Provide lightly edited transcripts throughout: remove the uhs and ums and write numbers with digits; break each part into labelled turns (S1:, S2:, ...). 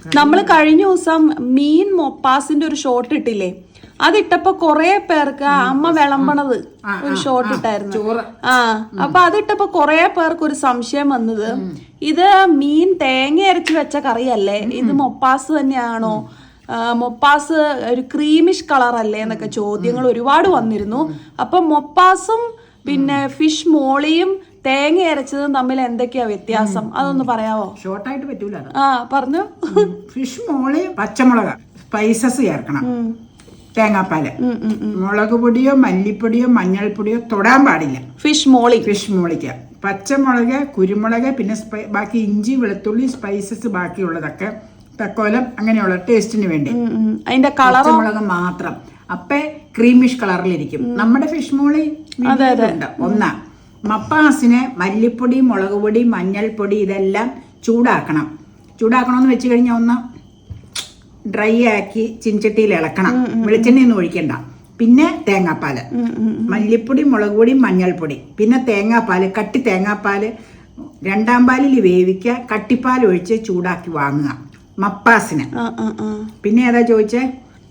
S1: നമ്മൾ കഴിഞ്ഞ ദിവസം മീൻ മൊപ്പാസിന്റെ ഒരു ഷോട്ട് ഇട്ടില്ലേ, അതിട്ടപ്പോ കൊറേ പേർക്ക് അമ്മ വിളമ്പണത് ഒരു ഷോട്ട് ഇട്ടായിരുന്നു. അപ്പൊ അതിട്ടപ്പോ കൊറേ പേർക്ക് ഒരു സംശയം വന്നത്, ഇത് മീൻ തേങ്ങ അരച്ച് വെച്ച കറിയല്ലേ, ഇത് മൊപ്പാസ് തന്നെയാണോ, മൊപ്പാസ് ഒരു ക്രീമിഷ് കളർ അല്ലേ എന്നൊക്കെ ചോദ്യങ്ങൾ ഒരുപാട് വന്നിരുന്നു. അപ്പൊ മൊപ്പാസും പിന്നെ ഫിഷ് മോളിയും തേങ്ങ അരച്ചതും തമ്മിൽ എന്തൊക്കെയാ വ്യത്യാസം, അതൊന്ന് പറയാവോ?
S2: ഷോർട്ടായിട്ട് പറ്റൂല.
S1: പറഞ്ഞു.
S2: ഫിഷ് മോളി പച്ചമുളക് സ്പൈസസ് ചേർക്കണം, തേങ്ങാപ്പാല്, മുളക് പൊടിയോ മല്ലിപ്പൊടിയോ മഞ്ഞൾപ്പൊടിയോ തൊടാൻ പാടില്ല. ഫിഷ് മോളിക്ക് പച്ചമുളക്, കുരുമുളക്, പിന്നെ ബാക്കി ഇഞ്ചി വെളുത്തുള്ളി സ്പൈസസ് ബാക്കിയുള്ളതൊക്കെ തക്കോലം അങ്ങനെയുള്ള ടേസ്റ്റിന് വേണ്ടി.
S1: അതിന്റെ കളർ
S2: മുളക് മാത്രം, അപ്പേ ക്രീമിഷ് കളറിലിരിക്കും. നമ്മുടെ ഫിഷ് മോളി ഉണ്ട്. ഒന്നാ മപ്പാസിന് മല്ലിപ്പൊടി, മുളക് പൊടി, മഞ്ഞൾപ്പൊടി ഇതെല്ലാം ചൂടാക്കണമെന്ന് വെച്ച് കഴിഞ്ഞാൽ ഒന്ന് ഡ്രൈ ആക്കി ചിൻചട്ടിയിൽ ഇളക്കണം. വെളിച്ചെണ്ണയൊന്നും ഒഴിക്കണ്ട. പിന്നെ തേങ്ങാപ്പാല്, മല്ലിപ്പൊടി, മുളക് പൊടി, മഞ്ഞൾപ്പൊടി, പിന്നെ തേങ്ങാപ്പാല്, കട്ടി തേങ്ങാപ്പാല് രണ്ടാം പാലിൽ വേവിക്കുക, കട്ടിപ്പാൽ ഒഴിച്ച് ചൂടാക്കി വാങ്ങുക മപ്പാസിന്. പിന്നെ ഏതാ ചോദിച്ചേ?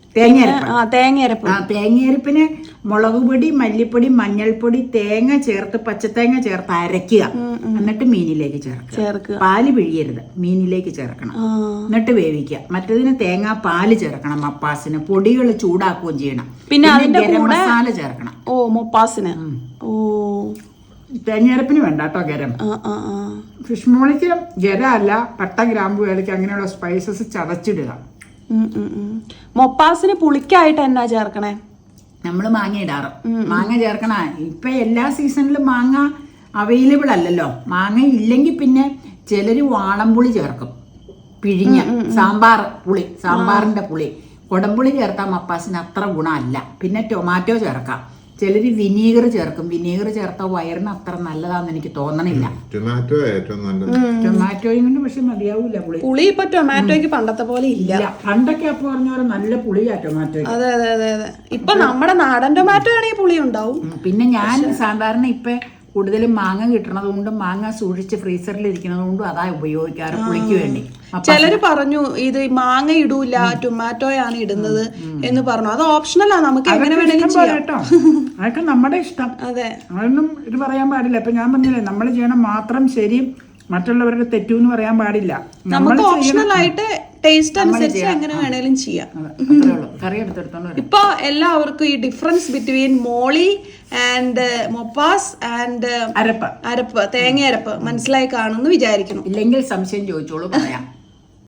S2: തേങ്ങയരപ്പിന് മുളക് പൊടി, മല്ലിപ്പൊടി, മഞ്ഞൾപ്പൊടി, തേങ്ങ ചേർത്ത് പച്ചത്തേങ്ങ ചേർത്ത് അരയ്ക്കുക. എന്നിട്ട് മീനിലേക്ക് ചേർക്കുക. പാല് പിഴിയരുത്, മീനിലേക്ക് ചേർക്കണം. എന്നിട്ട് വേവിക്കുക. മറ്റേതിന് തേങ്ങാ പാല് ചേർക്കണം. മപ്പാസിന് പൊടികൾ ചൂടാക്കുകയും ചെയ്യണം. പിന്നെ ഗരം മസാല ചേർക്കണം.
S1: മൊപ്പാസിന്
S2: തേങ്ങയരപ്പിന് വേണ്ട കേട്ടോ ഗരം. ഫിഷ് മോളിക്ക് ഗരം അല്ല, പട്ട, ഗ്രാമ്പു, ഏലക്ക അങ്ങനെയുള്ള സ്പൈസസ് ചതച്ചിടുക.
S1: മൊപ്പാസിന് പുളിക്കായിട്ട് എന്നാ ചേർക്കണേ?
S2: നമ്മള് മാങ്ങ ഇടാറ്. മാങ്ങ ചേർക്കണ. ഇപ്പൊ എല്ലാ സീസണിലും മാങ്ങ അവൈലബിൾ അല്ലല്ലോ. മാങ്ങ ഇല്ലെങ്കിൽ പിന്നെ ചിലര് വാളംപുളി ചേർക്കും, പിഴിഞ്ഞ സാമ്പാറിന്റെ പുളി. കൊടംപുളി ചേർത്താൽ മപ്പാസിന് അത്ര ഗുണമല്ല. പിന്നെ ടൊമാറ്റോ ചേർക്കാം. ചിലര് വിനീഗർ ചേർക്കും. വിനീഗർ ചേർത്താൽ വയറിന് അത്ര നല്ലതാന്ന് എനിക്ക് തോന്നണില്ല. ടൊമാറ്റോയും കൊണ്ട് പക്ഷെ മതിയാവൂല
S1: പുളി. ഇപ്പൊ ടൊമാറ്റോയ്ക്ക് പണ്ടത്തെ പോലെ ഇല്ല.
S2: പണ്ടൊക്കെ അപ്പൊ പറഞ്ഞ പോലെ നല്ല പുളിയാ ടൊമാറ്റോ.
S1: അതെ അതെ അതെ അതെ. ഇപ്പൊ നമ്മുടെ നാടൻ ടൊമാറ്റോ ആണെങ്കിൽ പുളി ഉണ്ടാവും.
S2: പിന്നെ ഞാൻ സാധാരണ ഇപ്പൊ കൂടുതലും മാങ്ങ കിട്ടണത് കൊണ്ടും മാങ്ങ സൂക്ഷിച്ച് ഫ്രീസറിൽ ഇരിക്കുന്നത് കൊണ്ടും അതാ ഉപയോഗിക്കാറ് പുളിക്ക് വേണ്ടി.
S1: ചിലര് പറഞ്ഞു ഇത് മാങ്ങ ഇടൂല, ടൊമാറ്റോയാണ് ഇടുന്നത് എന്ന് പറഞ്ഞു. അത് ഓപ്ഷണലാ, നമുക്ക് എങ്ങനെ വേണമെങ്കിലും ചെയ്യാം
S2: കേട്ടോ. അതൊക്കെ നമ്മുടെ ഇഷ്ടം.
S1: അതെ,
S2: അതൊന്നും ഇത് പറയാൻ പാടില്ല. ഇപ്പൊ ഞാൻ പറഞ്ഞില്ലേ, നമ്മൾ ചെയ്യണം മാത്രം ശരി, മറ്റുള്ളവരുടെ തെറ്റൂന്ന് പറയാൻ പാടില്ല.
S1: നമുക്ക് ഓപ്ഷണൽ ആയിട്ട് ടേസ്റ്റ് അനുസരിച്ച് എങ്ങനെ വേണേലും ചെയ്യാം. ഇപ്പൊ എല്ലാവർക്കും ഈ ഡിഫറൻസ് ബിറ്റ്വീൻ മോളി ആൻഡ് മൊപ്പാസ് ആൻഡ്
S2: അരപ്പ്
S1: തേങ്ങ അരപ്പ് മനസ്സിലായി കാണുമെന്ന് വിചാരിക്കണം.
S2: ഇല്ലെങ്കിൽ സംശയം ചോദിച്ചോളൂ, പറയാം.